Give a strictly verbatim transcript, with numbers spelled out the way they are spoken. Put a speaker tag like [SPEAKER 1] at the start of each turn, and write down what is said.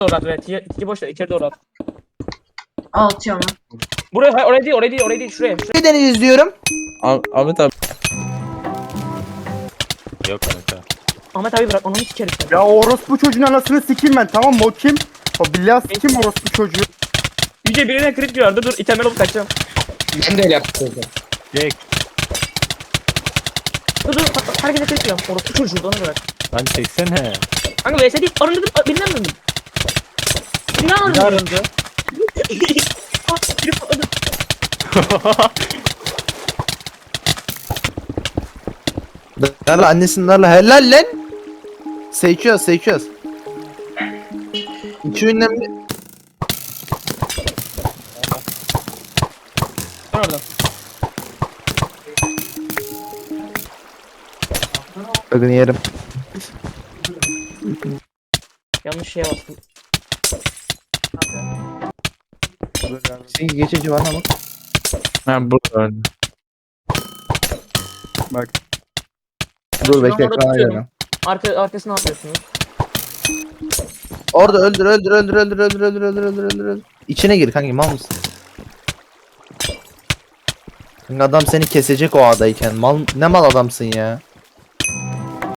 [SPEAKER 1] doğru at. Evet. İki boş ver. İçeri doğru at.
[SPEAKER 2] Al atıyorum ben.
[SPEAKER 1] Buraya hayır, oraya değil oraya değil oraya değil şuraya. şuraya.
[SPEAKER 3] Neden izliyorum?
[SPEAKER 4] Ah Ahmet abi. Yok kanka.
[SPEAKER 1] Ahmet abi bırak onu hiç içeri sen.
[SPEAKER 5] Ya o orospu çocuğun anasını sikeyim ben, tamam mı? O kim? O billahi sikeyim orospu çocuğu.
[SPEAKER 1] Yüce birine crit diyor. Dur dur itemler olup kaçacağım.
[SPEAKER 6] Ben de öyle yaptım.
[SPEAKER 4] Jack.
[SPEAKER 1] Dur dur bak, bak, herkese crit diyorum. Orospu çocuğu onu bırak.
[SPEAKER 4] Lan çeksene.
[SPEAKER 1] Kanka V S değil. Arındırdım. Birinden arındım. Birinden
[SPEAKER 4] Ne
[SPEAKER 1] arındım.
[SPEAKER 4] arındı?
[SPEAKER 1] Ah, biri patladı.
[SPEAKER 3] Darla annesinin darla helal lan. Seçiyoruz seçiyoruz. İki ünlemli.
[SPEAKER 1] Ben oradan.
[SPEAKER 3] Bakın yerim.
[SPEAKER 1] Yanlış şeye bastım.
[SPEAKER 3] Sekiz geçici var ama.
[SPEAKER 4] Ha burada öldü.
[SPEAKER 5] Bak.
[SPEAKER 3] Dur bekle
[SPEAKER 1] orada
[SPEAKER 3] ekran
[SPEAKER 1] tutuyorum.
[SPEAKER 3] ayarına.
[SPEAKER 1] Arka, arkasına atıyorsunuz.
[SPEAKER 3] Orada öldür öldür öldür öldür öldür öldür öldür öldür öldür öldür. İçine gir kanki mal mısın? Kanka adam seni kesecek o adayken. Mal ne mal adamsın ya.